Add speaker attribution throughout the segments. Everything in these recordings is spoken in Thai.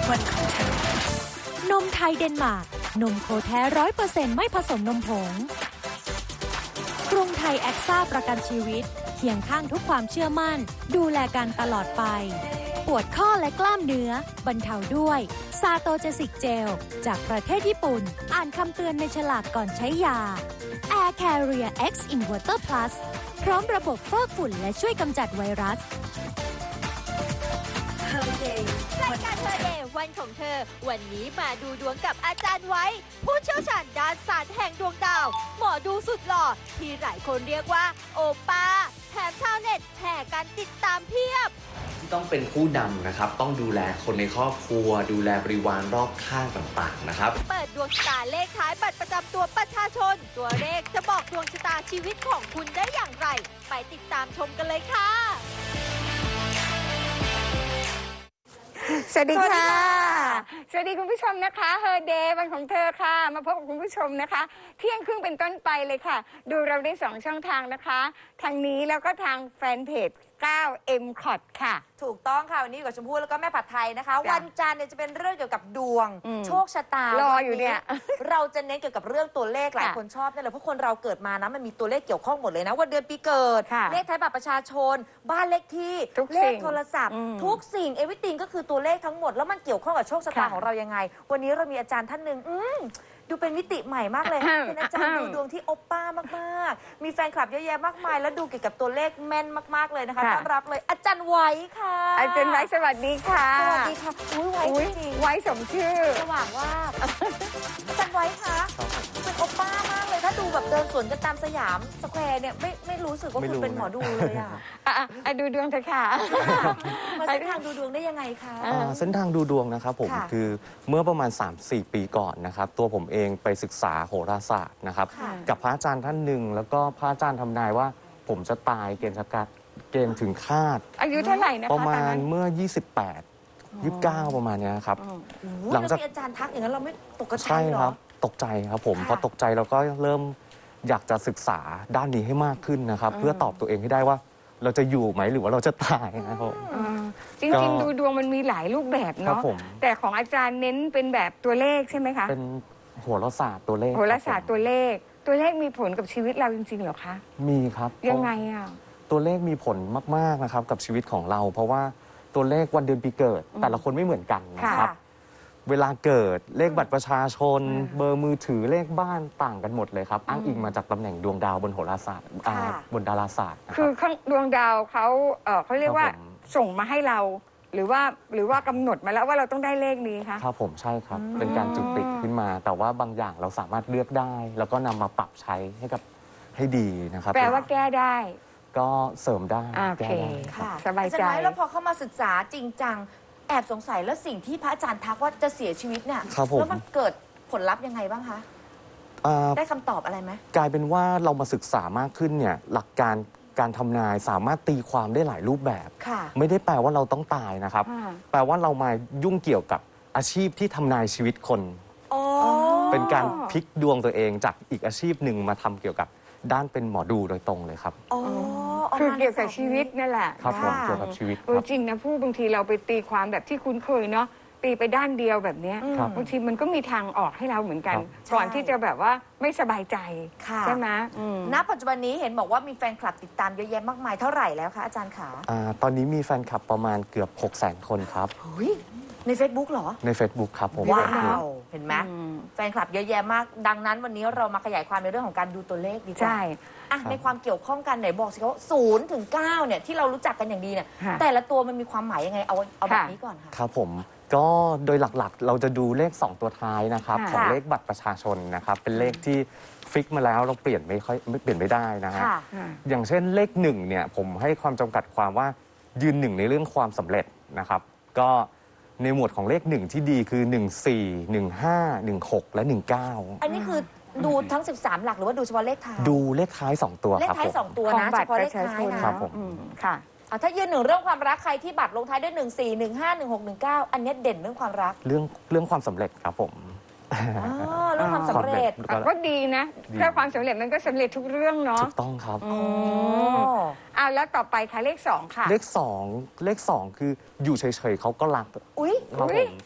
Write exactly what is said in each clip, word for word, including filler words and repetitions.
Speaker 1: วันของเธอ
Speaker 2: นมไทยเดนมาร์กนมโคแท้ร้อยเปอร์เซ็นต์ไม่ผสมนมผงกรุงไทยแอคซ่าประกันชีวิตเคียงข้างทุกความเชื่อมั่นดูแลกันตลอดไปปวดข้อและกล้ามเนื้อบรรเทาด้วยซาโตเจสิกเจลจากประเทศญี่ปุ่นอ่านคำเตือนในฉลากก่อนใช้ยา Air Carrier X Inverter Plus พร้อมระบบฟอกฝุ่นและช่วยกำจัดไวรัส
Speaker 1: Her Day
Speaker 3: รายการเธอเดย์วันของเธอ วันนี้มาดูดวงกับอาจารย์ไว้ ผู้เชี่ยวชาญด้านศาสตร์แห่งดวงดาว หมอดูสุดหล่อที่หลายคนเรียกว่าโอป้าแถมชาวเน็ตแห่กันติดตามเพียบ
Speaker 4: ที่ต้องเป็นผู้นำนะครับต้องดูแลคนในครอบครัว ดูแลบริวารรอบข้างต่างๆนะครับ
Speaker 3: เปิดดวงชะตาเลขท้ายบัตรประจำตัวประชาชน ตัวเลขจะบอกดวงชะตาชีวิตของคุณได้อย่างไร ไปติดตามชมกันเลยค่ะ
Speaker 5: สวัสดีค่ะ สวัสดีคุณผู้ชมนะคะ Her Day วันของเธอค่ะ มาพบกับคุณผู้ชมนะคะ เที่ยงครึ่งเป็นต้นไปเลยค่ะ ดูเราได้สองช่องทางนะคะ ทางนี้แล้วก็ทางแฟนเพจ เก้า เอ็ม คอท ค่ะ
Speaker 6: ถูกต้องค่ะ วันนี้อยู่กับชมพู่แล้วก็แม่ผัดไทยนะคะ วันจันทร์เนี่ยจะเป็นเรื่องเกี่ยวกับดวง
Speaker 5: อืม
Speaker 6: โชคชะตาร
Speaker 5: ออยู่เนี่ย
Speaker 6: เราจะเน้นเกี่ยวกับเรื่องตัวเลขหลาย
Speaker 5: ค่ะ
Speaker 6: คนชอบนี่แหละเพราะคนเราเกิดมานะมันมีตัวเลขเกี่ยวข้องหมดเลยนะวันเดือนปีเกิด
Speaker 5: ค่ะ
Speaker 6: เลขท้ายบัตรประชาชน บ้านเลขที่
Speaker 5: ทุก
Speaker 6: เล
Speaker 5: สิ่
Speaker 6: ข
Speaker 5: ง
Speaker 6: โทรศัพท์
Speaker 5: อืม
Speaker 6: ทุกสิ่งเอวิติงก็คือตัวเลขทั้งหมดแล้วมันเกี่ยวข้องกับโชคชะตา
Speaker 5: ค่ะ
Speaker 6: ของเรายังไง วันนี้เรามีอาจารย์ท่านหนึ่งอืมดูเป็นมิติใหม่มากเลย
Speaker 5: อ่า
Speaker 6: เป็นอาจารย์ดูดวงที่โอปป้ามากๆ มีแฟนคลับเยอะแยะมากมาย แล้วดูเกี่ยวกับตัวเลขแม่นมากๆเลยนะคะ
Speaker 5: ค่ะ
Speaker 6: ต้อนรับเลยอาจารย์ไว้ค่ะ
Speaker 5: อาจารย์ไว้สวัสดีค่ะ
Speaker 6: สวัสดีค่ะอุ้ยไว้
Speaker 5: อุ๊ย
Speaker 6: จริง
Speaker 5: ไว้สมชื่อ
Speaker 6: ๆสว่างว่าบอาจารย์ไว้คะเป็นโอป้ามากเลยถ้าดูแบบเดินสวนกันตามสยามสแควร์เนี่ยไม่ไม่รู้สึกว่า
Speaker 4: ไม่
Speaker 6: คุ
Speaker 4: รู้
Speaker 6: ณเป็นหมอดูเลยอ่ะ
Speaker 5: อ่ะอ่ะอ่ะดูดวงเถอะค่ะ
Speaker 6: มาเส้นทางดูดวงได้ยังไงคะ
Speaker 5: อ่า
Speaker 7: อ่าเส้นทางดูดวงนะครับผม
Speaker 6: ค่ะ
Speaker 7: คือเมื่อประมาณ สามสี่ ปีก่อนนะครับตัวผมเองไปศึกษาโหราศาสตร์นะครับ
Speaker 6: ค่ะ
Speaker 7: กับพระอาจารย์ท่านหนึ่งแล้วก็พระอาจารย์ทำนายว่าผมจะตายเกณฑ์ชะกาเกณฑ์ถึงคาด
Speaker 5: อายุเท่าไหร่นะคะ
Speaker 7: ประมา
Speaker 5: ตอน
Speaker 7: ณ
Speaker 5: นั้น
Speaker 7: เมื่อ ยี่สิบแปด ยี่สิบเก้า ประมาณเนี้ยครับ
Speaker 5: อืม
Speaker 6: โอ้โห
Speaker 7: หลังจาก
Speaker 6: แล้วมีอาจารย์ทักอย่างนั้นเราไม่ตกกระ
Speaker 7: ใช่
Speaker 6: จายเหร
Speaker 7: ครั
Speaker 6: อ
Speaker 7: บตกใจครับผม
Speaker 6: ค่ะ
Speaker 7: พอตกใจเราก็เริ่มอยากจะศึกษาด้านนี้ให้มากขึ้นนะครับ เพื่อตอบตัวเองให้ได้ว่าเราจะอยู่ไหมหรือว่าเราจะตายนะครับผม
Speaker 5: อ่าจ
Speaker 7: ก็
Speaker 5: ริงๆ ดูดวงมันมีหลายรูปแบบ
Speaker 7: ครั
Speaker 5: เนาะ
Speaker 7: บผม
Speaker 5: แต่ของอาจารย์เน้นเป็นแบบตัวเลขใช่ไหมคะ
Speaker 7: เป็นโหราศาสตร์ตัวเลข
Speaker 5: โหราศาสตร์
Speaker 7: คบผม
Speaker 5: ตัวเลข ตัวเลขมีผลกับชีวิตเราจริงๆเหรอคะ
Speaker 7: มีครับ
Speaker 5: ยังไงอ่ะ
Speaker 7: ตัวเลขมีผลมาก ๆ นะครับกับชีวิตของเรา เพราะว่าตัวเลขวันเดือนปีเกิด แต่ละคนไม่เหมือนกันนะครับ
Speaker 6: ค่ะ
Speaker 7: เวลาเกิดเลขบัตรประชาชน
Speaker 5: อืม
Speaker 7: เบอร์มือถือเลขบ้านต่างกันหมดเลยครับ อ้างอิงมาจากตำแหน่งดวงดาวบนโหราศาสตร์อ่า
Speaker 6: ค่ะ
Speaker 7: บนดาราศาสตร์นะค
Speaker 5: คื
Speaker 7: รั
Speaker 5: อบ ข้างดวงดาวเขาเออเขาเรียกว่า
Speaker 7: ครับผม
Speaker 5: ส่งมาให้เรา หรือว่าหรือว่ากำหนดมาแล้วว่าเราต้องได้เลขนี้คะ
Speaker 7: ครับผมใช่ครับ เป็นการจุดติดขึ้นมา แต่ว่าบางอย่างเราสามารถเลือกได้ แล้วก็นำมาปรับใช้ให้กับให้ดีนะครับ
Speaker 5: แปลว่าแก้ได้
Speaker 7: ก็เสริมได้
Speaker 5: อ่าโอ
Speaker 7: แก้
Speaker 5: เค
Speaker 7: ได้ครับ
Speaker 6: ค่ะ
Speaker 5: สบายใจ
Speaker 6: อจรไว้แล้วพอเข้ามาศึกษาจริงจังแอบสงสัยแล้วสิ่งที่พระอาจารย์ทักว่าจะเสียชีวิตเนี่ย
Speaker 7: ครับผม
Speaker 6: แล้วมันเกิดผลลัพธ์ยังไงบ้างคะ
Speaker 7: อ่า
Speaker 6: ได้คำตอบอะไรไหม
Speaker 7: กลายเป็นว่าเรามาศึกษามากขึ้นเนี่ยหลักการการทำนายสามารถตีความได้หลายรูปแบบ
Speaker 6: ค่ะ
Speaker 7: ไม่ได้แปลว่าเราต้องตายนะครับ
Speaker 5: อ่า
Speaker 7: แปลว่าเรามายุ่งเกี่ยวกับอาชีพที่ทำนายชีวิตคน
Speaker 6: อ๋อ
Speaker 7: เป็นการพลิกดวงตัวเองจากอีกอาชีพหนึ่งมาทำเกี่ยวกับด้านเป็นหมอดูโดยตรงเลยครับ
Speaker 6: อ๋อ
Speaker 5: คือเกี่ยวกับชีวิตนั่นแหละ
Speaker 7: ครับผม
Speaker 6: ค่ะ
Speaker 7: เกี่ยวกับชีวิตค
Speaker 5: เออ
Speaker 7: รับ
Speaker 5: จริงนะผู้บางทีเราไปตีความแบบที่คุ้นเคยเนาะตีไปด้านเดียวแบบเนี้ย
Speaker 6: อืม
Speaker 7: ครับ
Speaker 5: บางทีมันก็มีทางออกให้เราเหมือนกัน
Speaker 7: ครับ
Speaker 5: ก่อน
Speaker 6: ใช่
Speaker 5: ที่จะแบบว่าไม่สบายใจ
Speaker 6: ค่ะ
Speaker 5: ใช่ไหมอืม
Speaker 6: ณปัจจุบันนี้เห็นบอกว่ามีแฟนคลับติดตามเยอะแยะมากมายเท่าไหร่แล้วคะอาจารย์ขา
Speaker 7: อ่าตอนนี้มีแฟนคลับประมาณเกือบ หกแสน คนครับ
Speaker 6: เฮ้ยใน Facebook เหรอ
Speaker 7: ใน Facebook ครับผม
Speaker 6: ว้า
Speaker 7: Facebook
Speaker 6: ว เห็นไหม
Speaker 5: อืม
Speaker 6: แฟนคลับเยอะแยะมาก ดังนั้นวันนี้เรามาขยายความในเรื่องของการดูตัวเลขดีกว่า
Speaker 5: ใช่
Speaker 6: อ่ะ
Speaker 7: ครับ
Speaker 6: ในความเกี่ยวข้องกันไหนบอกสิว่าศูนย์ถึงเก้าเนี่ยที่เรารู้จักกันอย่างดีเนี่ย
Speaker 5: ค่ะ
Speaker 6: แต่ละตัวมันมีความหมายยังไงเอาเอาแบบ
Speaker 5: ค่ะ
Speaker 6: นี้ก่อนค่ะ
Speaker 7: ครับผมก็โดยหลักๆ เราจะดูเลข สอง ตัวท้ายนะครับ
Speaker 5: ค่ะ
Speaker 7: ของเลขบัตรประชาชนนะครับ เป็นเลขที่ฟิกมาแล้วเราเปลี่ยนไม่ค่อยไม่เปลี่ยนไม่ได้นะฮะ
Speaker 6: ค่ะ
Speaker 5: อ่า
Speaker 7: อย่างเช่นเลขหนึ่งเนี่ยผมให้ความจำกัดความว่ายืนหนึ่งในเรื่องความสำเร็จนะครับ ก็ในหมวดของเลขหนึ่งที่ดีคือ หนึ่ง สี่ หนึ่ง ห้า หนึ่ง หก และ หนึ่ง เก้า
Speaker 6: อันนี้คือดูทั้ง สิบสาม หลักหรือว่าดูเฉพาะเลขท้าย
Speaker 7: ดูเลขท้าย สอง ตัว
Speaker 6: เลข
Speaker 7: ครับ
Speaker 6: ท้าย
Speaker 7: ผม
Speaker 6: สองตัว
Speaker 5: ของ
Speaker 6: นะ
Speaker 5: บั
Speaker 6: เฉ
Speaker 5: ตร
Speaker 6: พาะ
Speaker 5: ป
Speaker 6: เล
Speaker 5: ระ
Speaker 6: ข
Speaker 5: ชา
Speaker 6: ท้า
Speaker 5: ช
Speaker 6: ย
Speaker 5: น
Speaker 6: นะ
Speaker 7: ครับผม
Speaker 5: อืมค่ะ
Speaker 6: อ่ะถ้ายืนหนึ่งเรื่องความรักใครที่บัตรลงท้ายด้วยหนึ่ง สี่ หนึ่ง ห้า หนึ่ง หก หนึ่ง เก้าอันเนี้ยเด่นเรื่องความรัก
Speaker 7: เรื่องเรื่องความสำเร็จครับผม
Speaker 6: อ๋อเรื่องความสำเร็จ
Speaker 7: ก็
Speaker 5: ก็ดีนะ
Speaker 7: ดี
Speaker 5: ถ้าความสำเร็จมันก็สำเร็จทุกเรื่องเนาะ
Speaker 7: ถูกต้องครับ
Speaker 5: อื
Speaker 6: อ๋อ
Speaker 5: มเอาแล้วต่อไปค่ะเลขสองค่ะ
Speaker 7: เลขสองเลขสองคืออยู่เฉยๆเขาก็รัก
Speaker 6: อุ๊ย
Speaker 7: ครับ
Speaker 5: อุ๊
Speaker 7: ผ
Speaker 5: ย
Speaker 7: ม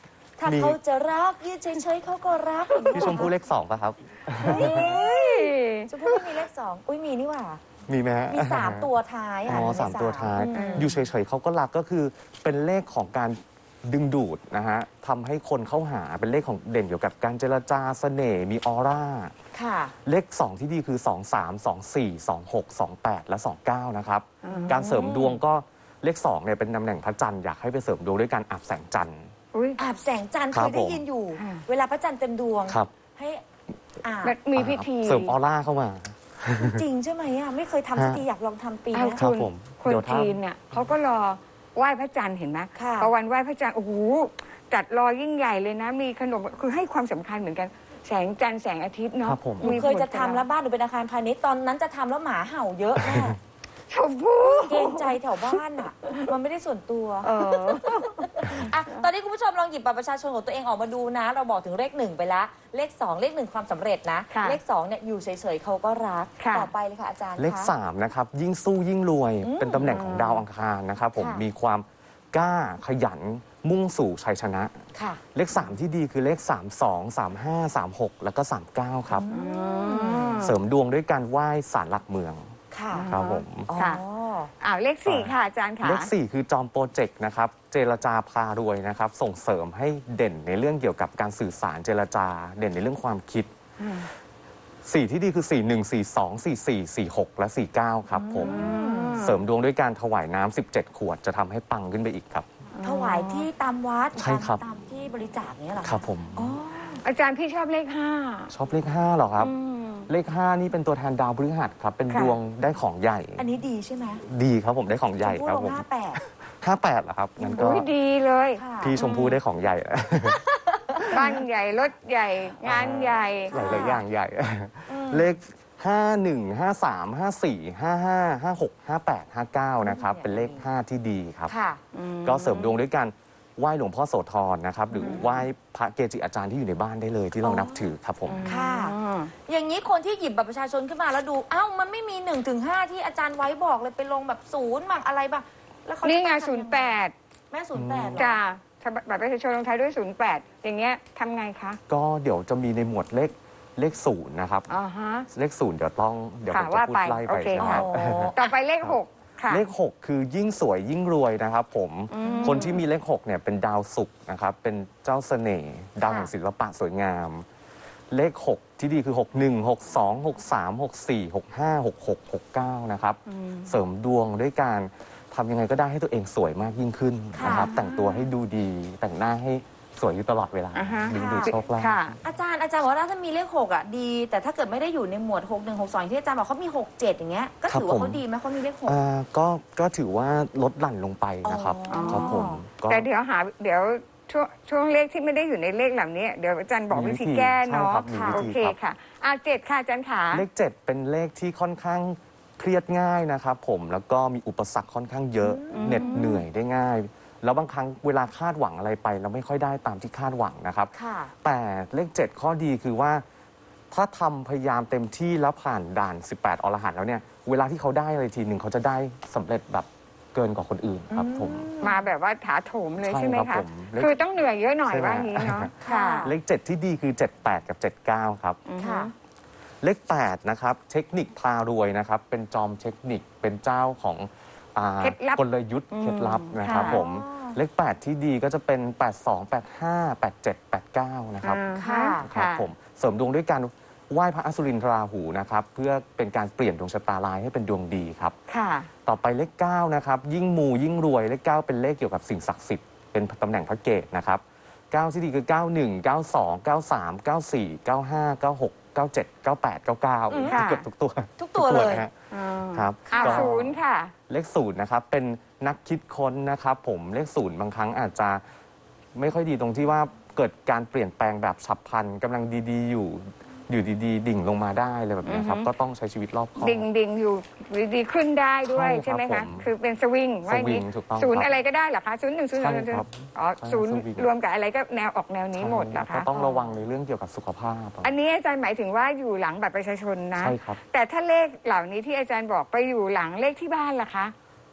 Speaker 6: ถ้า
Speaker 7: มี
Speaker 6: เขาจะรักยืนเฉยๆเขาก็รักอย่างนี้
Speaker 7: พี่ชมพู่เลขสองป่ะครับ
Speaker 6: เฮ้ยชมพู่ไม่มีเลขสองอุ้ยมีนี่หว่า
Speaker 7: มีไหมฮะ
Speaker 6: มีสามตัวท้าย
Speaker 7: อ๋
Speaker 6: อ่ะ
Speaker 7: อ
Speaker 6: ใน
Speaker 7: สามตัวท้าย
Speaker 6: อืม
Speaker 7: อยู่เฉยๆเขาก็รักก็คือเป็นเลขของการดึงดูดนะฮะทำให้คนเข้าหาเป็นเลขของเด่นเกี่ยวกับการเจรจาเสน่ห์มีออร่า
Speaker 6: ค่ะ
Speaker 7: เลข สอง ที่ดีคือ สอง สาม สอง สี่ สอง หก สอง แปด และ สอง เก้า นะครับ การเสริมดวงก็เลข2เนี่ยเป็นตำแหน่งพระจันทร์อยากให้ไปเสริมดวงด้วยการอาบแสงจันทร์
Speaker 5: อุ้ย
Speaker 6: อาบแสงจันทร์
Speaker 7: ค
Speaker 6: เครับ ยได้
Speaker 7: ผม
Speaker 6: ยินอยู่
Speaker 5: อ่า
Speaker 6: เวลาพระจันทร์เต็มดวง
Speaker 7: ครับ
Speaker 6: ให้อาบ
Speaker 5: มันมีพิธี
Speaker 7: เสริมออร่าเข้ามา
Speaker 6: จริงใช่ไหมอ่ะไม่เคยทำสักทีอยากลองทำปี
Speaker 5: เอา
Speaker 6: นะ
Speaker 7: ครั
Speaker 5: คุ
Speaker 7: บ
Speaker 5: ณ
Speaker 7: ผม
Speaker 5: คน
Speaker 7: เดี๋ยวถ้า
Speaker 5: จีนเนี่ยเขาก็รอไหว้พระจันทร์เห็นไหม
Speaker 6: ค่ะ
Speaker 5: พอวันไหว้พระจันทร์โอ้โหจัดรอยิ่งใหญ่เลยนะ มีขนมคือให้ความสำคัญเหมือนกัน แสงจันทร์แสงอาทิตย์เนาะ
Speaker 7: ครับผม
Speaker 6: หนูเคยจะทำแล้วบ้านหนูเป็นอาคารพาณิชย์ตอนนั้นจะทำแล้วหมาเห่าเยอะแม่
Speaker 5: ชมพู่
Speaker 6: เกรงใจแถวบ้านอ่ะ มันไม่ได้ส่วนตัว
Speaker 5: เออ
Speaker 6: อ่ะตอนนี้คุณผู้ชมลองหยิบบัตรประชาชนของตัวเองออกมาดูนะ เราบอกถึงเลขหนึ่งไปละเลขสองเลขหนึ่งความสำเร็จนะ
Speaker 5: ค่ะ
Speaker 6: เลขสองเนี่ยอยู่เฉยๆเขาก็รัก
Speaker 5: ค่ะ
Speaker 6: ต่อไปเลยค่ะอาจารย์
Speaker 7: เลข
Speaker 6: คะ
Speaker 7: สามนะครับยิ่งสู้ยิ่งรวย
Speaker 6: อืม
Speaker 7: เป็นตำแหน่งของดาวอังคารนะครับผม
Speaker 6: ค่ะ
Speaker 7: มีความกล้าขยันมุ่งสู่ชัยชนะ
Speaker 6: ค่ะ
Speaker 7: เลขสามที่ดีคือเลขสาม สอง สาม ห้า สาม หก แล้วก็สาม เก้าครับ เสริมดวงด้วยการไหว้ศาลหลักเมือง
Speaker 6: ค่ะ
Speaker 7: ครับผม
Speaker 6: อ๋อ
Speaker 5: ค่ะ อ้าวเลขสี่ค่ะอาจารย์ค่ะ
Speaker 7: เลขสี่คือจอมโปรเจกต์นะครับเจรจาพารวยนะครับส่งเสริมให้เด่นในเรื่องเกี่ยวกับการสื่อสารเจรจา เด่นในเรื่องความคิด
Speaker 5: อืม
Speaker 7: สี่ที่ดีคือสี่ หนึ่ง สี่ สอง สี่ สี่ สี่ หก และ สี่ เก้า ครับผม เสริมดวงด้วยการถวายน้ำสิบเจ็ด ขวดจะทำให้ปังขึ้นไปอีกครับ
Speaker 6: ถวายที่ตามวัด
Speaker 7: ใช่ครับ
Speaker 6: ตามที่บริจาคเนี้ยเหรอ
Speaker 7: ครับผม
Speaker 6: อ๋อ
Speaker 5: อาจารย์พี่ชอบเลขห้า
Speaker 7: ชอบเลขห้าเหรอครับ
Speaker 5: อืม
Speaker 7: เลขห้านี่เป็นตัวแทนดาวพฤหัสครับ เป็น
Speaker 5: ค่ะ
Speaker 7: ดวงได้ของใหญ่
Speaker 6: อันนี้ดีใช่ไหม
Speaker 7: ดีครับผมได้ของใหญ่
Speaker 6: ชมพู่
Speaker 7: ครับ
Speaker 6: ลง
Speaker 7: ผม
Speaker 6: ห้าแปด
Speaker 7: ห้าแปดเหรอครับงั้นก็
Speaker 5: อุ้ยดีเลย
Speaker 6: ค่ะ
Speaker 7: พี่ชมพู่ได้ของใหญ่
Speaker 5: บ้านใหญ่รถใหญ่ งานใหญ่
Speaker 7: หลายๆอย่างใหญ่ เลข ห้า หนึ่ง ห้า สาม ห้า สี่ ห้า ห้า ห้า หก ห้า แปด ห้า เก้า นะครับ เป็นเลข ห้า ที่ดีครับ
Speaker 6: ค่ะ
Speaker 7: ก็เสริมดวงด้วยการไหว้หลวงพ่อโสธรนะครับ หรือไหว้พระเกจิอาจารย์ที่อยู่ในบ้านได้เลยที่เรานับถือครับผม
Speaker 6: ค่ะ อย่างนี้คนที่หยิบบัตรประชาชนขึ้นมาแล้วดูเอ้ามันไม่มีหนึ่งถึงห้าที่อาจารย์ไว้บอกเลยไปลงแบบศูนย์บ้างอะไรบ้างแล้วเขา
Speaker 5: นี่ไง
Speaker 6: จะต้องทำ
Speaker 5: ศูนย์แปด
Speaker 6: แม่ศูนย์แปดเหรอ
Speaker 5: จ้าบัตรประชาชนลงท้ายด้วยศูนย์แปดอย่างเงี้ยทำไงคะ
Speaker 7: ก็เดี๋ยวจะมีในหมวดเลขเลขศูนย์นะครับ
Speaker 5: อ๋อฮะ
Speaker 7: เลขศูนย์เดี๋ยวต้องเดี๋ยวผ
Speaker 5: ค่ะ
Speaker 7: มจะ
Speaker 5: ว่า
Speaker 7: พูด
Speaker 5: ไป
Speaker 7: ไล่
Speaker 5: โอ
Speaker 7: ไป
Speaker 5: เค
Speaker 7: นะ
Speaker 5: ค่ะ
Speaker 7: ครับ
Speaker 6: อ๋อ
Speaker 5: ต่อไปเลขหกค่ะ
Speaker 7: เลข หก คือยิ่งสวยยิ่งรวยนะครับผม
Speaker 5: อืม
Speaker 7: คนที่มีเลข หกเนี่ยเป็นดาวศุกร์นะครับ เป็นเจ้าเสน่ห์ดาวแห่งศิลปะสวยงาม เลข หก ที่ดีคือ หก หนึ่ง หก สอง หก สาม หก สี่ หก ห้า หก หก หก เก้า นะครับ เสริมดวงด้วยการทำยังไงก็ได้ให้ตัวเองสวยมากยิ่งขึ้นนะครับ แต่งตัวให้ดูดี แต่งหน้าให้สวยอยู่ตลอดเวลา
Speaker 5: อ่าฮะ
Speaker 7: ดึงดูดโชคลาภ
Speaker 5: ค่ะ
Speaker 6: อาจารย์อาจารย์บอกว่าถ้ามีเลขหกอ่ะดี แต่ถ้าเกิดไม่ได้อยู่ในหมวดหกหนึ่งหกสองที่อาจารย์บอกเขามีหกเจ็ดอย่างเงี้ยก็ถือว่าเขาดีไหมเขามีเลขหก
Speaker 7: อ่าก็ก็ถือว่าลดหลั่นลงไปนะครับ
Speaker 6: อ๋อ
Speaker 7: ครับผมก็
Speaker 5: แต่เดี๋ยวหาเดี๋ยวช่วงช่วงเลขที่ไม่ได้อยู่ในเลขเหล่านี้เดี๋ยวอาจารย์บอกวิธีแก้เนาะ
Speaker 7: ใช่ครับมีวิธี
Speaker 5: โอเค
Speaker 7: ครับ
Speaker 5: ค่ะอ่าเจ็ดค่ะอาจารย์ขา
Speaker 7: เลข เจ็ด เป็นเลขที่ค่อนข้างเครียดง่ายนะครับผมแล้วก็มีอุปสรรคค่อนข้างเยอะเหน็ดเหนื่อยได้ง่าย แล้วบางครั้งเวลาคาดหวังอะไรไปเราไม่ค่อยได้ตามที่คาดหวังนะครับ
Speaker 6: ค่ะ
Speaker 7: แต่เลข เจ็ด ข้อดีคือว่า ถ้าทำพยายามเต็มที่แล้วผ่านด่าน สิบแปด อรหันต์แล้วเนี่ยเวลาที่เขาได้อะไรทีหนึ่งเขาจะได้สำเร็จแบบเกินกว่าคนอื่นครับผม
Speaker 5: มาแบบว่าถาโถมเลย
Speaker 7: ใช่
Speaker 5: ใช่ไหม
Speaker 7: ครั
Speaker 5: คะ
Speaker 7: บผมเลข
Speaker 5: คือต้องเหนื่อยเยอะหน่อย
Speaker 7: ใช่ไหม
Speaker 5: ว่างี้เนาะ
Speaker 6: ค่ะ
Speaker 5: ค่ะ
Speaker 7: เลข เจ็ด ที่ดีคือ เจ็ด แปด กับ เจ็ด เก้า ครับ
Speaker 6: ค่ะ
Speaker 7: เลข แปด นะครับเทคนิคพารวยนะครับเป็นจอมเทคนิคเป็นเจ้าของอ่า
Speaker 5: เคล็ดลับ
Speaker 7: กลยุทธ์เคล็ดลับนะครับ
Speaker 5: ค่ะ
Speaker 7: ผมเลข แปด ที่ดีก็จะเป็น แปด สอง แปด ห้า แปด เจ็ด แปด เก้า นะครับ
Speaker 5: อ่า
Speaker 6: ค่ะ
Speaker 7: ครับผมเสริมดวงด้วยการไหว้พระอสุรินทราหูนะครับเพื่อเป็นการเปลี่ยนดวงชะตาลายให้เป็นดวงดีครับ
Speaker 5: ค่ะ
Speaker 7: ต่อไปเลข เก้า นะครับยิ่งมูยิ่งรวยเลข เก้า เป็นเลขเกี่ยวกับสิ่งศักดิ์สิทธิ์เป็นตำแหน่งพระเกศนะครับเก้า ที่ดีคือ เก้า หนึ่ง เก้า สอง เก้า สาม เก้า สี่ เก้า ห้า เก้า หก เก้า เจ็ด เก้า แปด เก้า เก้า
Speaker 5: ค่ะ
Speaker 7: เกือบทุกตัว
Speaker 6: ทุกตัวเลย
Speaker 7: นะฮะ
Speaker 5: อ่า
Speaker 7: ครับ
Speaker 5: อ่า
Speaker 7: ก็
Speaker 5: ศูนย์ค่ะ
Speaker 7: เลขศูนย์นะครับเป็นนักคิดค้นนะครับผมเลขศูนย์บางครั้งอาจจะไม่ค่อยดีตรงที่ว่าเกิดการเปลี่ยนแปลงแบบฉับพลันกำลังดีๆ อยู่อยู่ดีๆ ดิ่งลงมาได้เลยแบบนี้ครับ
Speaker 5: อือฮึ
Speaker 7: ก็ต้องใช้ชีวิตรอบคอบ
Speaker 5: ดิ่งดิ่งอยู่ดีๆขึ้นได้ด้วย
Speaker 7: ใช่ครับ
Speaker 5: ใช่ไหม
Speaker 7: ผ
Speaker 5: คะ
Speaker 7: ม
Speaker 5: คือเป็นสวิงว่าอย่างนี้
Speaker 7: สวิงถูกต้อง
Speaker 5: ศูนย์
Speaker 7: ครับ
Speaker 5: อะไรก็ได้เหรอคะศูนย์หนึ่งศูนย์
Speaker 7: ใช่
Speaker 5: ศูนย์
Speaker 7: ครับ
Speaker 5: อ๋อ
Speaker 7: ใช่
Speaker 5: ศูนย์
Speaker 7: สวิง
Speaker 5: รวมกับอะไรก็แนวออกแนวนี้หมดเหรอ
Speaker 7: ก็
Speaker 5: คะ
Speaker 7: ต้องระวังในเรื่องเกี่ยวกับสุขภาพ
Speaker 5: อันนี้อาจารย์หมายถึงว่าอยู่หลังบัตรประชาชนนะ
Speaker 7: ใช่ครับ
Speaker 5: แต่ถ้าเลขเหล่านี้ที่อาจารย์บอกไปอยู่หลังเลขที่บ้านล่ะคะ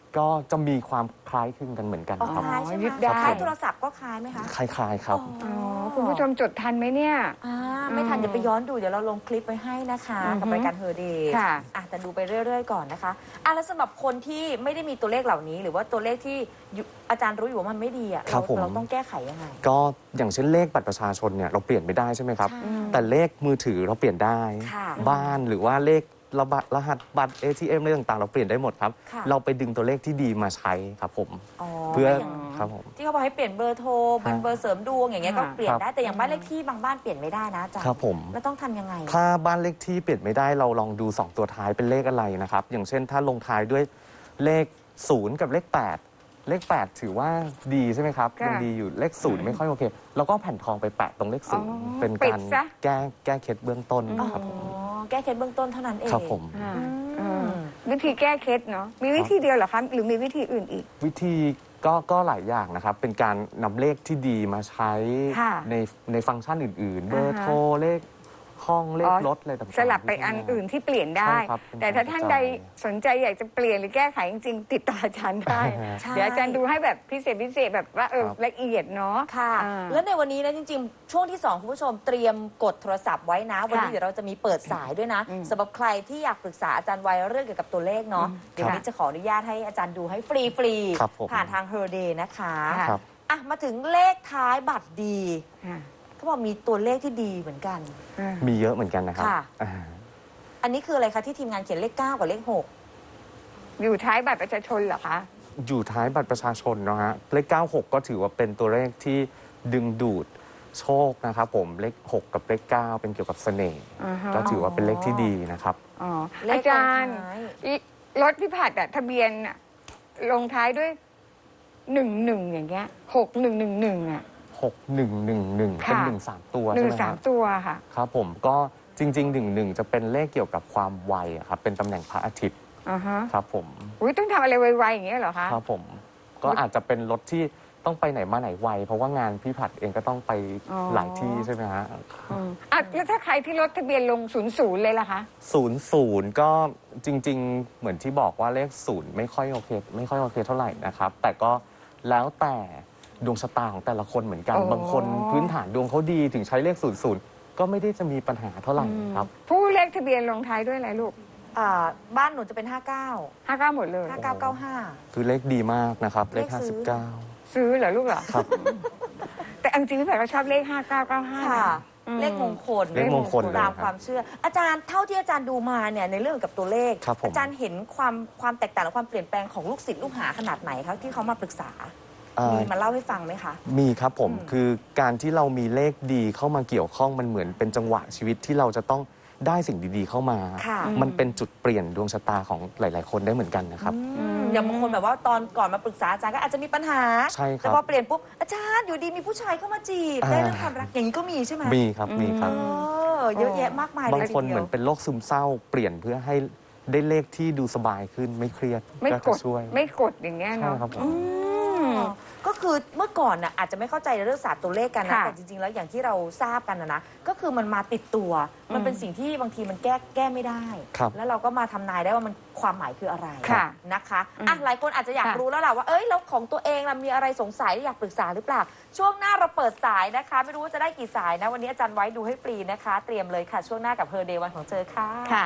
Speaker 7: ก็จะมีความคล้ายคลึงกันเหมือนกัน
Speaker 6: อ๋อ
Speaker 7: ครับ
Speaker 6: คล้ายใช่ไหม
Speaker 5: ยึดได้
Speaker 6: คล้ายโทรศัพท์ก็คล้ายไหมคะ
Speaker 7: คล้ายๆครับ
Speaker 5: อ๋อคุณผู้ชมจดทันไหมเนี่ย
Speaker 6: อ่าไม่ทันเดี๋ยวไปย้อนดูเดี๋ยวเราลงคลิปไว้ให้นะคะ
Speaker 5: อือฮึ
Speaker 6: กับรายการเฮอร์เดย์
Speaker 5: ค่ะ
Speaker 6: อ่ะแต่ดูไปเรื่อยๆก่อนนะคะอ่ะแล้วสำหรับคนที่ไม่ได้มีตัวเลขเหล่านี้ หรือว่าตัวเลขที่อยู่อาจารย์รู้อยู่ว่ามันไม่ดีอ่ะ
Speaker 7: ครั
Speaker 6: เรา
Speaker 7: บผม
Speaker 6: เราต้องแก้ไขยังไง
Speaker 7: ก็อย่างเช่นเลขบัตรประชาชนเนี่ยเราเปลี่ยนไม่ได้ใช่ไหมครับ
Speaker 6: ใช่
Speaker 7: แต่เลขมือถือเราเปลี่ยนได้
Speaker 6: ค่ะ
Speaker 7: บ้านหรือว่าเลขรหัสรหัสบัตร เอ ที เอ็ม อะไรต่างๆ เราเปลี่ยนได้หมดครับ
Speaker 6: ค่ะ
Speaker 7: เราไปดึงตัวเลขที่ดีมาใช้ครับผม
Speaker 6: อ๋อ
Speaker 7: เพื่อ
Speaker 6: ก็ย่าง
Speaker 7: ครับผม
Speaker 6: ที่เขาบอกให้เปลี่ยนเบอร์โทรเป็นเบอร์เสริมดวงอย่างเงี้ยก็
Speaker 5: ค่ะ
Speaker 6: เปลี่ยนได้
Speaker 7: ครับ
Speaker 6: แต่อย่างบ้านเลขที่บางบ้านเปลี่ยนไม่ได้นะอาจารย์
Speaker 7: ครับผม
Speaker 6: แล้วต้องทำยังไง
Speaker 7: ถ้าบ้านเลขที่เปลี่ยนไม่ได้เราลองดู สอง ตัวท้ายเป็นเลขอะไรนะครับ อย่างเช่นถ้าลงท้ายด้วยเลขศูนย์กับเลขแปดเลขแปดถือว่าดีใช่ไหมครับ
Speaker 5: ค่ะ
Speaker 7: ยังดีอยู่เลขศูนย์ไม่ค่อยโอเคเราก็เอาแผ่นทองไปแปะตรงเลขศูนย์
Speaker 5: อ๋อ
Speaker 7: เป็น
Speaker 5: ปิ
Speaker 7: กา
Speaker 5: ด
Speaker 7: ร
Speaker 5: ซะ
Speaker 7: แก้แก้เคล็ดเบื้องต้น
Speaker 6: อ๋อ
Speaker 7: ครับผม
Speaker 6: แก้เคล็ดเบื้องต้นเท่านั้นเอง
Speaker 7: ครับผม
Speaker 5: อ่า
Speaker 6: อื
Speaker 5: เออ
Speaker 6: ม
Speaker 5: วิธีแก้เคล็ดเนาะมีวิธีเดียวเหรอคะหรือมีวิธีอื่นอีก
Speaker 7: วิธีก็ก็หลายอย่างนะครับ เป็นการนำเลขที่ดีมาใช้
Speaker 5: ค่ะ
Speaker 7: ในในฟังก์ชันอื่น ๆ เบอ
Speaker 5: อ่า
Speaker 7: ร์
Speaker 5: ฮะ
Speaker 7: โทรเลขห้องเล
Speaker 5: อ๋
Speaker 7: ข
Speaker 5: อ
Speaker 7: รถอะไรต่างๆ
Speaker 5: สลับไปอันอื่นที่เปลี่ยนได้
Speaker 7: ใช่ครับเป็น
Speaker 5: แต่ถ้าท่านใด
Speaker 7: การกระจาย
Speaker 5: สนใจอยากจะเปลี่ยนหรือแก้ไขจริงๆ ติดต่ออาจารย์ได้
Speaker 6: ใช่
Speaker 5: เดี๋ยวอาจารย์ดูให้แบบพิเศษพิเศษแบบว่าเออ
Speaker 7: ครับ
Speaker 5: ละเอียดเนาะ
Speaker 6: ค่ะ
Speaker 5: อ่า
Speaker 6: แล้วในวันนี้นะจริงๆ ช่วงที่สองคุณผู้ชมเตรียมกดโทรศัพท์ไว้นะ วันนี้
Speaker 5: ค่ะ
Speaker 6: เดี๋ยวเราจะมีเปิดสายด้วยนะ
Speaker 5: อืม
Speaker 6: สำหรับใครที่อยากปรึกษาอาจารย์ไว้เรื่องเกี่ยวกับตัวเลขเนาะ
Speaker 5: อืม
Speaker 6: เดี๋ยววัน
Speaker 5: ค่ะ
Speaker 6: นี้จะขออนุญาตให้อาจารย์ดูให้ฟรีฟรี
Speaker 7: ครับผม
Speaker 6: ผ่านทาง Her Day นะคะ
Speaker 5: ค่ะ
Speaker 7: ครับ
Speaker 6: อ่ะมาถึงเลขท้ายบัตรดี
Speaker 5: อ่า
Speaker 6: เขาบอกมีตัวเลขที่ดีเหมือนกัน
Speaker 5: อ่า
Speaker 7: มีเยอะเหมือนกันนะครับ
Speaker 6: ค่ะ
Speaker 7: อ่า
Speaker 6: อันนี้คืออะไรคะที่ทีมงานเขียนเลขเก้ากับเลขหก
Speaker 5: อยู่ท้ายบัตรประชาชนเหรอคะ
Speaker 7: อยู่ท้ายบัตรประชาชนเนอะฮะเลขเก้าหกก็ถือว่าเป็นตัวเลขที่ดึงดูดโชคนะครับผมเลขหกกับเลขเก้าเป็นเกี่ยวกับเสน่ห์
Speaker 5: อ่าฮะ
Speaker 7: ก็ถือว่าเป็นเลขที่ดีนะครับ
Speaker 5: อ๋อ
Speaker 6: เล
Speaker 5: อา
Speaker 6: ข
Speaker 5: จารย์
Speaker 6: ตงท้าย
Speaker 5: อีรถพี่ผัดอะทะเบียนอะลงท้ายด้วยหนึ่งหนึ่งอย่างเงี้ยหกหนึ่งหนึ่งหนึ่งอะ
Speaker 7: หกหนึ่งหนึ่งหนึ่ง
Speaker 5: ค่ะ
Speaker 7: เป็นหนึ่งสามตัว
Speaker 5: ห
Speaker 7: ใช่
Speaker 5: นึ่ง
Speaker 7: ไหมค
Speaker 5: สา
Speaker 7: รั
Speaker 5: ม
Speaker 7: บ
Speaker 5: ตัวค่ะ
Speaker 7: ครับผมก็จริงๆหนึ่งหนึ่งจะเป็นเลขเกี่ยวกับความไวอะครับเป็นตำแหน่งพระอาทิตย์
Speaker 5: อ่าฮะ
Speaker 7: ครับผม
Speaker 5: อุ้ยต้องทำอะไรไวๆอย่างเงี้ยเหรอคะ
Speaker 7: ครับผมก็อาจจะเป็นรถที่ต้องไปไหนมาไหนไวเพราะว่างานพี่ผัดเองก็ต้องไป
Speaker 5: อ๋อ
Speaker 7: หลายที่ใช่ไหมฮะ
Speaker 5: อืมอ่ะแล้วถ้าใครที่รถทะเบียนลงศูนย์ศูนย์เลยล่ะคะ
Speaker 7: ศูนย์ศูนย์ก็จริง ๆ เหมือนที่บอกว่าเลขศูนย์ไม่ค่อยโอเค ไม่ค่อยโอเคเท่าไหร่นะครับ แต่ก็แล้วแต่ดวงชะตาของแต่ละคนเหมือนกัน
Speaker 5: อ๋อ
Speaker 7: บางคนพื้นฐานดวงเขาดีถึงใช้เลขศูนย์ศูนย์ก็ไม่ได้จะมีปัญหาเท่าไหร่ครับ
Speaker 5: ผู้เลขทะเบียนลงท้ายด้วยอะไรลูก
Speaker 6: อ่าบ้านหนูจะเป็นห้าเก้า
Speaker 5: ห้าเก้าหมดเลย
Speaker 6: ห้าเก้าเก้าห้า
Speaker 7: คือเลขดีมากนะครับ เลข
Speaker 6: เลขซื้อ
Speaker 7: ห้าสิบเก้า
Speaker 5: ซื้อเหรอลูกเหรอ
Speaker 7: ครับ
Speaker 5: แต่เอาจริงๆพี่แพรก็ชอบเลขห้าเก้าเก้าห้า
Speaker 6: ค่ะ
Speaker 5: อืม
Speaker 6: เลขมงคล
Speaker 7: เลขมงคลเลย
Speaker 6: ตาม
Speaker 7: ครับ
Speaker 6: ความเชื่อ อาจารย์เท่าที่อาจารย์ดูมาเนี่ยในเรื่องกับตัวเลข
Speaker 7: ครับผม
Speaker 6: อาจารย์เห็นความความแตกต่างและความเปลี่ยนแปลงของลูกศิษย์ลูกหาขนาดไหนคะที่เขามาปรึกษา
Speaker 7: เอ่อ
Speaker 6: มีมาเล่าให้ฟังไหมคะ
Speaker 7: มีครับผม
Speaker 6: อืม
Speaker 7: คือการที่เรามีเลขดีเข้ามาเกี่ยวข้องมันเหมือนเป็นจังหวะชีวิตที่เราจะต้องได้สิ่งดีๆเข้ามา
Speaker 6: ค่ะ
Speaker 7: มันเป็นจุดเปลี่ยนดวงชะตาของหลาย ๆ คนได้เหมือนกันนะครับ
Speaker 6: อืมอย่างบางคนแบบว่าตอนก่อนมาปรึกษาอาจารย์ก็อาจจะมีปัญหา
Speaker 7: ใช่ครับ
Speaker 6: แต่พอเปลี่ยนปุ๊บอาจารย์อยู่ดีมีผู้ชายเข้ามาจีบ
Speaker 7: อ่า
Speaker 6: ได้เรื่องความรักอย่างนี้ก็มีใช่ไหม
Speaker 7: มีครับมีค
Speaker 6: เอ
Speaker 7: รับ
Speaker 6: อเยอะแยะมากมายเลย
Speaker 7: บางคน
Speaker 6: ทีดียว
Speaker 7: เหมือนเป็นโรคซึมเศร้า เปลี่ยนเพื่อให้ได้เลขที่ดูสบายขึ้นไม่เครียด
Speaker 5: ไม่
Speaker 7: ก็
Speaker 5: ก
Speaker 7: จะ
Speaker 5: ด
Speaker 7: ช่วย
Speaker 5: ไม่กดอย่างเงี้ย
Speaker 7: ใช่
Speaker 5: เนาะ
Speaker 7: ครับผม
Speaker 5: อืม
Speaker 6: ก็คือเมื่อก่อนน่ะอาจจะไม่เข้าใจในเรื่องศาสตร์ตัวเลขกันนะ
Speaker 5: ค่ะ
Speaker 6: แต่จริงๆแล้วอย่างที่เราทราบกันนะนะก็คือมันมาติดตัว มันเป็นสิ่งที่บางทีมันแก้แก้ไม่ได้
Speaker 7: ครับ
Speaker 6: แล้วเราก็มาทำนายได้ว่ามันความหมายคืออะไร
Speaker 5: ค่ะ
Speaker 6: นะคะอ่ะหลายคนอาจจะอยาก
Speaker 5: ค่ะ
Speaker 6: รู้แล้วล่ะว่าเอ้ยแล้วของตัวเองล่ะมีอะไรสงสัยอยากปรึกษาหรือเปล่า ช่วงหน้าเราเปิดสายนะคะ ไม่รู้ว่าจะได้กี่สายนะวันนี้อาจารย์ไว้ดูให้ฟรีนะคะ เตรียมเลยค่ะช่วงหน้ากับเฮอร์เดย์วันของเธอค่ะ
Speaker 5: ค่ะ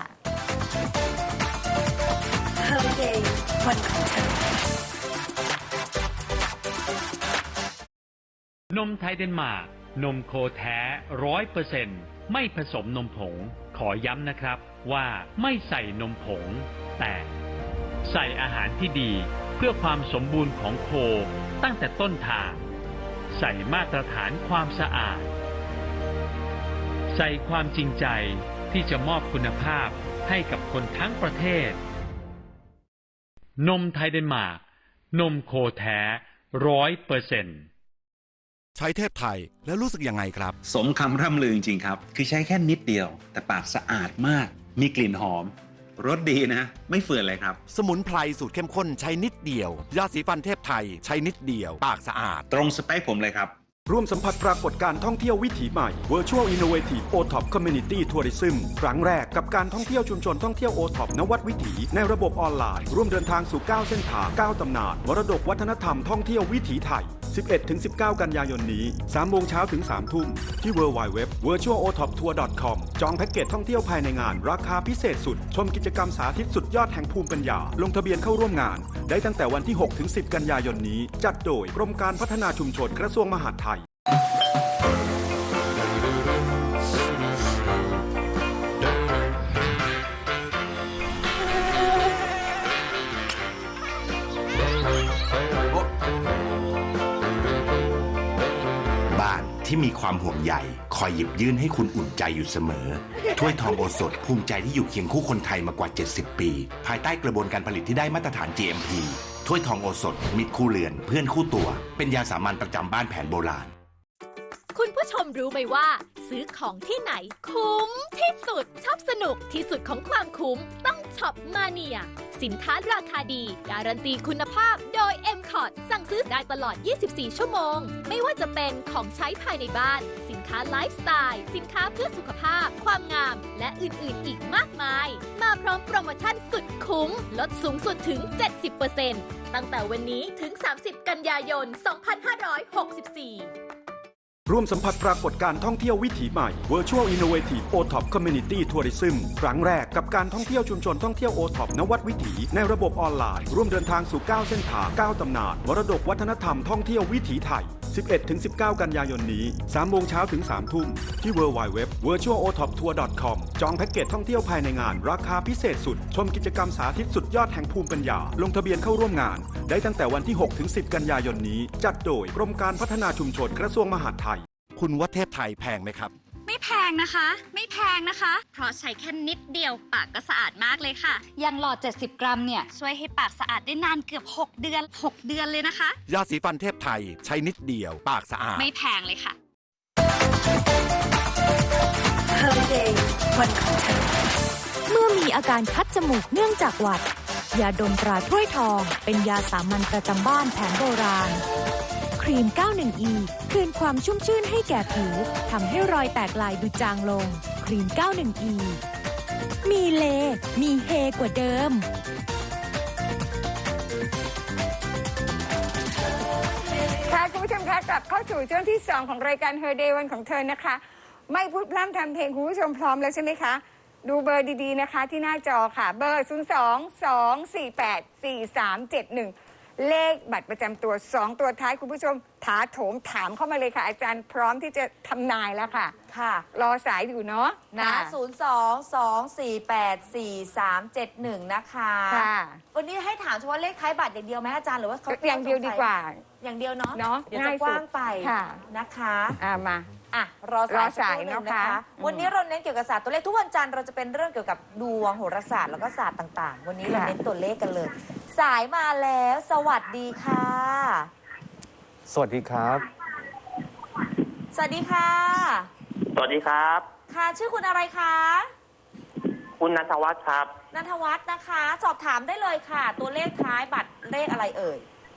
Speaker 1: นมไทยเดนมาร์กนมโคแท้ร้อยเปอร์เซ็นต์ไม่ผสมนมผง ขอย้ำนะครับว่าไม่ใส่นมผง แต่ใส่อาหารที่ดีเพื่อความสมบูรณ์ของโคตั้งแต่ต้นทาง ใส่มาตรฐานความสะอาด ใส่ความจริงใจที่จะมอบคุณภาพให้กับคนทั้งประเทศ นมไทยเดนมาร์กนมโคแท้ร้อยเปอร์เซ็นต์
Speaker 8: ใช้เทพไทยแล้วรู้สึกยังไงครับ
Speaker 9: สมคำร่ำลือจริงๆครับ คือใช้แค่นิดเดียว แต่ปากสะอาดมาก มีกลิ่นหอม รสดีนะ ไม่เฟื่อนเลยครับ
Speaker 8: สมุนไพรสูตรเข้มข้นใช้นิดเดียว ยาสีฟันเทพไทยใช้นิดเดียว ปากสะอาด
Speaker 9: ตรงสเปคผมเลยครับ
Speaker 10: ร่วมสัมผัสปรากฏการณ์ท่องเที่ยววิถีใหม่ Virtual Innovative โอ ท็อป Community Tourism ครั้งแรกกับการท่องเที่ยวชุมชนท่องเที่ยว โอ ท็อป นวัดวิถีในระบบออนไลน์ร่วมเดินทางสู่เก้าเส้นทางเก้าตำนานมรดกวัฒนธรรมท่องเที่ยววิถีไทย สิบเอ็ดถึงสิบเก้า กันยายนนี้สามโมงเช้าถึงสามทุ่มที่ ดับเบิลยู ดับเบิลยู ดับเบิลยู ดอท virtual o top tour dot com จองแพ็กเกจท่องเที่ยวภายในงานราคาพิเศษสุดชมกิจกรรมสาธิตสุดยอดแห่งภูมิปัญญาลงทะเบียนเข้าร่วมงานได้ตั้งแต่วันที่ หกถึงสิบ กันยายนนี้จัดโดยกรมการพัฒนาชุมชนกระทรวงมหาดไทย
Speaker 11: ที่มีความห่วงใยคอยหยิบยื่นให้คุณอุ่นใจอยู่เสมอถ้วยทองโอสถภูมิใจที่อยู่เคียงคู่คนไทยมากว่าเจ็ดสิบปีภายใต้กระบวนการผลิตที่ได้มาตรฐาน จี เอ็ม พี ถ้วยทองโอสถมิตรคู่เรือนเพื่อนคู่ตัวเป็นยาสามัญประจำบ้านแผนโบราณ
Speaker 3: คุณผู้ชมรู้ไหมว่า ซื้อของที่ไหนคุ้มที่สุดชอบสนุกที่สุดของความคุ้มต้องช็อปมาเนียสินค้าราคาดีการันตีคุณภาพโดย เอ็ม คอร์ สั่งซื้อได้ตลอด ยี่สิบสี่ ชั่วโมงไม่ว่าจะเป็นของใช้ภายในบ้านสินค้าไลฟ์สไตล์สินค้าเพื่อสุขภาพความงามและอื่นๆอีกมากมายมาพร้อมโปรโมชั่นสุดคุ้มลดสูงสุดถึง เจ็ดสิบเปอร์เซ็นต์ ตั้งแต่วันนี้ถึง สามสิบ กันยายน สองพันห้าร้อยหกสิบสี่
Speaker 10: ร่วมสัมผัสปรากฏการณ์ท่องเที่ยววิถีใหม่ Virtual Innovative โอ ท็อป Community Tourism ครั้งแรกกับการท่องเที่ยวชุมชนท่องเที่ยว โอ ท็อป นวัดวิถีในระบบออนไลน์ร่วมเดินทางสู่เก้าเส้นทางเก้าตำนานมรดกวัฒนธรรมท่องเที่ยววิถีไทย สิบเอ็ดถึงสิบเก้า กันยายนนี้สามโมงเช้าถึงสามทุ่มที่ ดับเบิลยู ดับเบิลยู ดับเบิลยู ดอท virtual o top tour dot com จองแพ็กเกจท่องเที่ยวภายในงานราคาพิเศษสุดชมกิจกรรมสาธิตสุดยอดแห่งภูมิปัญญาลงทะเบียนเข้าร่วมงานได้ตั้งแต่วันที่ หกถึงสิบ กันยายนนี้จัดโดยกรมการพัฒนาชุมชนกระทรวงมหาดไทย
Speaker 8: คุณว่าเทพไทยแพงไหมครับ
Speaker 12: ไม่แพงนะคะไม่แพงนะคะเพราะใช้แค่นิดเดียวปากก็สะอาดมากเลยค่ะอย่างหลอดเจ็ดสิบกรัมเนี่ยช่วยให้ปากสะอาดได้นานเกือบหกเดือนหกเดือนเลยนะคะ
Speaker 8: ยาสีฟันเทพไทยใช้นิดเดียวปากสะอาด
Speaker 12: ไม่แพงเลยค่ะ
Speaker 2: Holiday วันของเธอเมื่อมีอาการคัดจมูกเนื่องจากหวัดยาดมตราถ้วยทองเป็นยาสามัญประจำบ้านแผนโบราณครีม เก้าสิบเอ็ด อี คืนความชุ่มชื่นให้แก่ผิวทำให้รอยแตกลายดูจางลงครีม เก้าสิบเอ็ด อี มีเลมีเฮกว่าเดิม
Speaker 5: ค่ะคุณผู้ชมคะกลับเข้าสู่ช่วงที่สองของรายการ Her Day วันของเธอนะคะไม่พูดพร่ำทำเพลงคุณผู้ชมพร้อมแล้วใช่ไหมคะดูเบอร์ดีๆนะคะที่หน้าจอค่ะเบอร์ ศูนย์ สอง สอง สี่ แปด สี่ สาม เจ็ด หนึ่งเลขบัตรประจำตัวสองตัวท้ายคุณผู้ชมถาโถมถามเข้ามาเลยค่ะอาจารย์พร้อมที่จะทำนายแล้วค่ะ
Speaker 6: ค่ะ
Speaker 5: รอสายอยู่เนาะ
Speaker 6: นะศูนย์ สอง สอง สี่ แปด สี่ สาม เจ็ด หนึ่งนะคะ
Speaker 5: ค่ะ
Speaker 6: วันนี้ให้ถามเฉพาะเลขท้ายบัตรอย่างเดียวไหมอาจารย์หรือว่าเขา
Speaker 5: อย่างเดียวดีกว่า
Speaker 6: อย่างเดียวเนาะ
Speaker 5: เนาะ
Speaker 6: เดี๋ยวจะกว้างไปนะคะ
Speaker 5: อ่ามา
Speaker 6: อ่ะรอสายสักครู่หนึ่งนะคะวันนี้เราเน้นเกี่ยวกับศาสตร์ตัวเลขทุกวันจันทร์เราจะเป็นเรื่องเกี่ยวกับดวงโหราศาสตร์แล้วก็ศาสตร์ต่างๆวันนี้เราเน้นตัวเลขกันเลยสายมาแล้วสวัสดีค่ะ
Speaker 7: สวัสดีครับ
Speaker 6: สวัสดีค่ะ
Speaker 13: สวัสดีครับ
Speaker 6: ค่ะชื่อคุณอะไรคะ
Speaker 13: คุณณัฐวัฒน์ครับ
Speaker 6: ณัฐวัฒน์นะคะสอบถามได้เลยค่ะตัวเลขท้ายบัตรเลขอะไรเอ่ย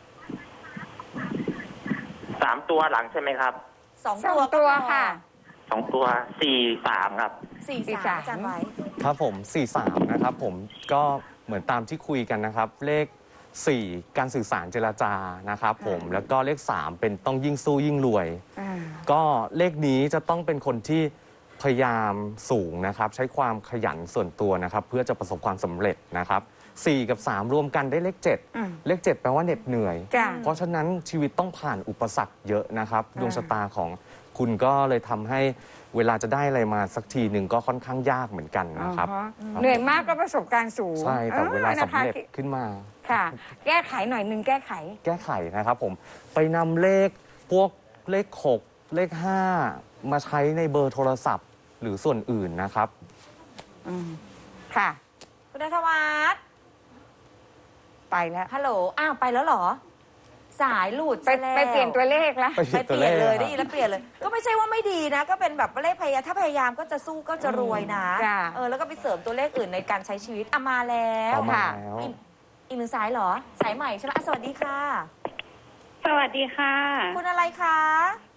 Speaker 13: สามตัวหลังใช่ไหมครับ
Speaker 6: สองตัว
Speaker 5: ตัวค่ะ
Speaker 13: สองตัวสี่สามครับ
Speaker 6: สี่สามจำไว้
Speaker 7: ครับผมสี่สามนะครับผมก็เหมือนตามที่คุยกันนะครับเลขสี่การสื่อสารเจรจานะครับผมแล้วก็เลขสามเป็นต้องยิ่งสู้ยิ่งรวยก็เลขนี้จะต้องเป็นคนที่พยายามสูงนะครับใช้ความขยันส่วนตัวนะครับเพื่อจะประสบความสำเร็จนะครับสี่กับสามรวมกันได้เลขเจ็ดเลขเจ็ดแปลว่าเหน็ดเหนื่อยเพราะฉะนั้นชีวิตต้องผ่านอุปสรรคเยอะนะครับดวงชะตาของคุณก็เลยทำให้เวลาจะได้อะไรมาสักทีหนึ่งก็ค่อนข้างยากเหมือนกันนะครับ
Speaker 5: เหนื่อยมากก็ประสบการณ์สูง
Speaker 7: ใช่แต่เวลาสำเร็จขึ้นมา
Speaker 5: ค่ะแก้ไขหน่อยหนึ่งแก้ไข
Speaker 7: แก้ไขนะครับผมไปนำเลขพวกเลขหกเลขห้ามาใช้ในเบอร์โทรศัพท์หรือส่วนอื่นนะครับ
Speaker 5: ค่ะ
Speaker 6: คุณณัฐวัฒน์
Speaker 5: ไปแล้ว
Speaker 6: ฮัลโหลอ้าวไปแล้วเหรอสายหลุด
Speaker 5: ไปไปเปลี่ยนตัวเลขแล้ว
Speaker 6: ไปเปลี่ยนเลยได้ยินแล้วเปลี่ยนเลยก็ไม่ใช่ว่าไม่ดีนะก็เป็นแบบเลขพยายามถ้าพยายามก็จะสู้ก็จะรวยนะเออแล้วก็ไปเสริมตัวเลขอื่นในการใช้ชีวิตอ่ะมาแล้ว
Speaker 7: ค่ะ
Speaker 6: อีกหนึ่งสายเหรอสายใหม่ใช่ไหมสวัสดีค่ะ
Speaker 14: สวัสดีค่ะ
Speaker 6: คุณอะไรคะ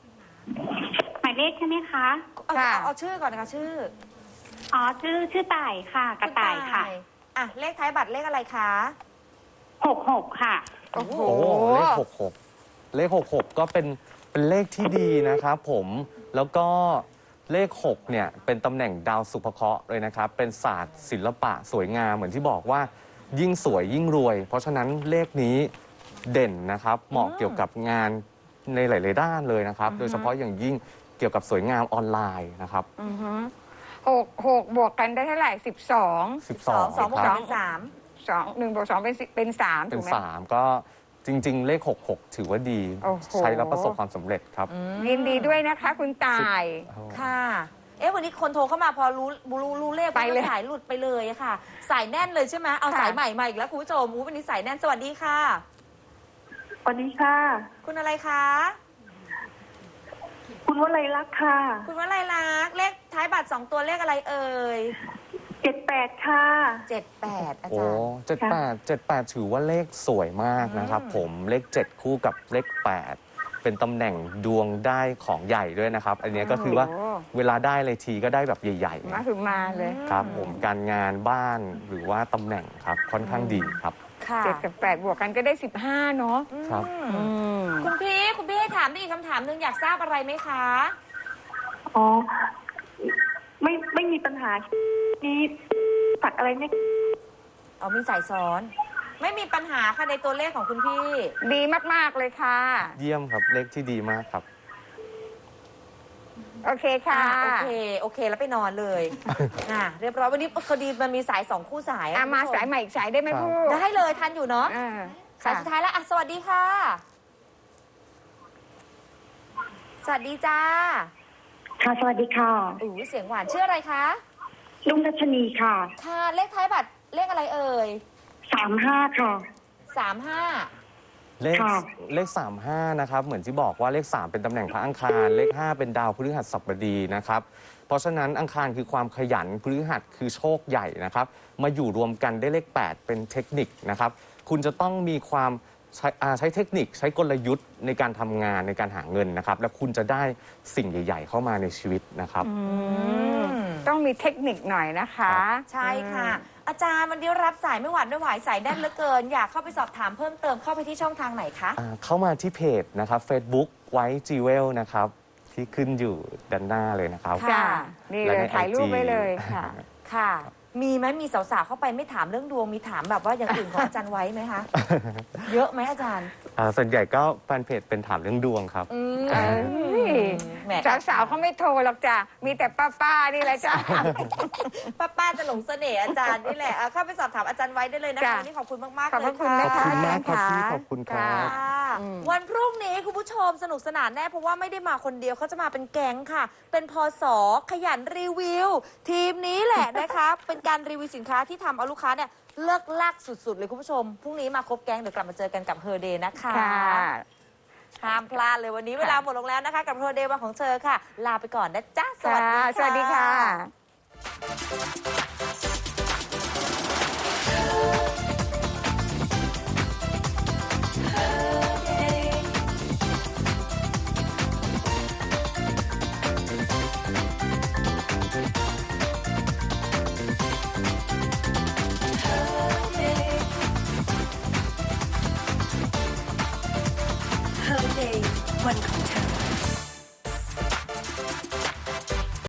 Speaker 14: หมายเลขใช่ไหมคะ
Speaker 6: เอาเอาเอาชื่อก่อนนะคะชื่อ
Speaker 14: อ๋อ ชื่อชื่อต่ายค่ะ กระต่ายค่ะ
Speaker 6: อ่ะ เลขท้ายบัตรเลขอะไรคะ
Speaker 14: หกหกค่ะ
Speaker 6: โอ้โห
Speaker 7: โอ้เลขหกหกเลขหกหกก็เป็นเป็นเลขที่ดีนะครับผมแล้วก็เลขหกเนี่ยเป็นตำแหน่งดาวสุภเคราะห์เลยนะครับเป็นศาสตร์ศิลปะสวยงามเหมือนที่บอกว่ายิ่งสวยยิ่งรวย เพราะฉะนั้นเลขนี้เด่นนะครับเหมาะเกี่ยวกับงานในหลายๆด้านเลยนะครับ โดยเฉพาะอย่างยิ่งเกี่ยวกับสวยงามออนไลน์นะครับ
Speaker 5: อือฮึหกหกบวกกันได้เท่าไหร่สิบสอง
Speaker 7: สิบสอง
Speaker 6: สองบวก
Speaker 7: ค
Speaker 6: กั
Speaker 7: รั
Speaker 6: น
Speaker 7: บ
Speaker 6: เป็นสาม
Speaker 5: สองหนึ่งบวกสองเป็นสิเป็นสาม
Speaker 7: เป็
Speaker 5: ถู
Speaker 7: น
Speaker 5: กไหม
Speaker 7: สามก็จริง ๆ เลขหกหกถือว่าดี
Speaker 5: โอ้โห
Speaker 7: ใช้แล้วประสบความสำเร็จครับ
Speaker 5: ยินดีด้วยนะคะ คุณตาย
Speaker 6: ค่ะ เอ๊ะวันนี้คนโทรเข้ามาพอรู้รู้รู้เลข
Speaker 5: ไปเลย
Speaker 6: สายหลุดไปเลยอะค่ะ สายแน่นเลยใช่ไหมเอา
Speaker 5: ค่ะ
Speaker 6: สายใหม่มาอีกแล้วคุณผู้ชมอู้วันนี้สายแน่นสวัสดีค่ะ
Speaker 14: สวัสดีค่ะ
Speaker 6: คุณอะไรคะ
Speaker 14: คุณวลัยลักษณ์ค่ะ
Speaker 6: คุณวลัยลักษณ์เลขท้ายบัตรสองตัวเลขอะไรเอ่ย
Speaker 14: เจ็ดแปดค่ะ
Speaker 6: เจ็ดแปดอา
Speaker 7: โอ้
Speaker 6: จารย์
Speaker 7: เจ็ดแปดเจ็ดแปดถือว่าเลขสวยมากนะครับ
Speaker 6: อืม
Speaker 7: ผมเลขเจ็ดคู่กับเลขแปดเป็นตำแหน่งดวงได้ของใหญ่ด้วยนะครับ อันนี้ก็คือว่า
Speaker 5: โอ้โห
Speaker 7: เวลาได้เลยทีก็ได้แบบใหญ่
Speaker 5: มาถึงมาเลย
Speaker 7: ๆครับผมการงานบ้านหรือว่าตำแหน่งครับค่อนข้างดีครับ
Speaker 6: ค่ะ
Speaker 5: เจ็ดกับแปดบวกกันก็ได้สิบห้าเนาะ
Speaker 7: ครับ
Speaker 6: อืมคุณพี่คุณพี่ให้ถามได้อีกคำถามหนึ่งอยากทราบอะไรไหมคะ
Speaker 14: อ๋อ ไม่ไม่มีปัญหานี้สักอะไรไหม
Speaker 6: เอามีสายซ้อน ไม่มีปัญหาค่ะในตัวเลขของคุณพี่
Speaker 5: ดีมาก ๆ เลยค่ะ
Speaker 7: เยี่ยมครับเลขที่ดีมากครับ
Speaker 5: โอเคค่ะ
Speaker 6: อ่าโอเค โอเค แล้วไปนอนเลย อ่าเรียบร้อยวันนี้พอดีมันมีสายสองคู่สาย
Speaker 5: อ่ะ
Speaker 6: อะ
Speaker 5: มา
Speaker 6: คุณผู้ช
Speaker 5: สายใหม่อีกสายได้ไหม
Speaker 7: ครับ
Speaker 5: พูด
Speaker 6: ได้เลยทันอยู่เนาะ
Speaker 5: อ่า
Speaker 6: สายสุดท้ายแล้วอ่ะสวัสดีค่ะ สวัสดีจ้า
Speaker 14: ค่ะ สวัสดีค่ะ
Speaker 6: อู้เสียงหวานชื่ออะไรคะ
Speaker 14: ลุงรัชนีค่ะ
Speaker 6: ค่ะเลขท้ายบัตรเลขอะไรเอ่ย
Speaker 14: สามห้าค่ะ
Speaker 6: สามห้า
Speaker 7: เลข
Speaker 14: ค่ะ
Speaker 7: เลขสามห้านะครับเหมือนที่บอกว่าเลขสามเป็นตำแหน่งพระอังคารเลขห้าเป็นดาวพฤหัสบดีนะครับเพราะฉะนั้นอังคารคือความขยันพฤหัสคือโชคใหญ่นะครับมาอยู่รวมกันได้เลขแปดเป็นเทคนิคนะครับคุณจะต้องมีความใช้อ่าใช้เทคนิคใช้กลยุทธ์ในการทำงานในการหาเงินนะครับแล้วคุณจะได้สิ่งใหญ่ ๆ เข้ามาในชีวิตนะครับ
Speaker 5: อืมต้องมีเทคนิคหน่อยนะคะ
Speaker 6: ใช่ค่ะ อาจารย์วันนี้รับสายไม่หวานไม่ไหวสายแน่นเหลือเกิน อยากเข้าไปสอบถามเพิ่มเติมเข้าไปที่ช่องทางไหนคะ
Speaker 7: อ่าเข้ามาที่เพจนะครับ Facebook ไว้จีเวลนะครับที่ขึ้นอยู่ด้านหน้าเลยนะครับ
Speaker 5: จ้านี่เลย
Speaker 7: และใน
Speaker 5: ถ่ายรูป
Speaker 7: ไอจี
Speaker 5: ไว้เลยค่ะ
Speaker 6: ค่ะ มีไหมมีสาวๆเข้าไปไม่ถามเรื่องดวงมีถามแบบว่าอย่างอื่นของอาจารย์ไว้ไหมคะ เยอะไหมอาจารย์
Speaker 7: อ่าส่วนใหญ่ก็แฟนเพจเป็นถามเรื่องดวงครับ
Speaker 6: อืม
Speaker 5: เอ้ย
Speaker 6: แหม
Speaker 5: สาวๆเขาไม่โทรหรอกจ้ะมีแต่ป้าๆนี่แหละจ้ะ
Speaker 6: ป้าป้าจะหลงเสน่ห์อาจารย์นี่แหละอ่ะเข้าไปสอบถามอาจารย์ไว้ได้เลยนะคะ
Speaker 5: จ้ะ
Speaker 6: วันนี้ขอบคุณมากๆ
Speaker 5: ขอบ
Speaker 6: เล
Speaker 5: พระ
Speaker 6: ย
Speaker 5: คุณ
Speaker 6: ค่ะ
Speaker 5: นะ
Speaker 7: ขอบ
Speaker 5: คะ
Speaker 7: คุณมากครับ
Speaker 5: อาจารย์
Speaker 7: พี่
Speaker 5: ค่ะ
Speaker 7: ขอบคุณครับ
Speaker 6: ค่ะ
Speaker 5: อืม
Speaker 6: วันพรุ่งนี้คุณผู้ชมสนุกสนานแน่เพราะว่าไม่ได้มาคนเดียวเขาจะมาเป็นแก๊งค่ะ เป็นพศขยันรีวิว ทีมนี้แหละนะคะ เป็นการรีวิวสินค้าที่ทำเอาลูกค้าเนี่ยเลิกลักสุดๆเลยคุณผู้ชมพรุ่งนี้มาครบแก๊งเดี๋ยวกลับมาเจอกันกับเฮอร์เดย์นะคะ
Speaker 5: ค่ะ
Speaker 6: ห้ามพลาดเลยวันนี้เวลาหมดลงแล้วนะคะ กับเฮอร์เดย์วันของเธอค่ะ ลาไปก่อนนะจ๊ะสวัสดี
Speaker 5: ค่ะ
Speaker 6: ค่ะ
Speaker 5: สวัสดีค่ะ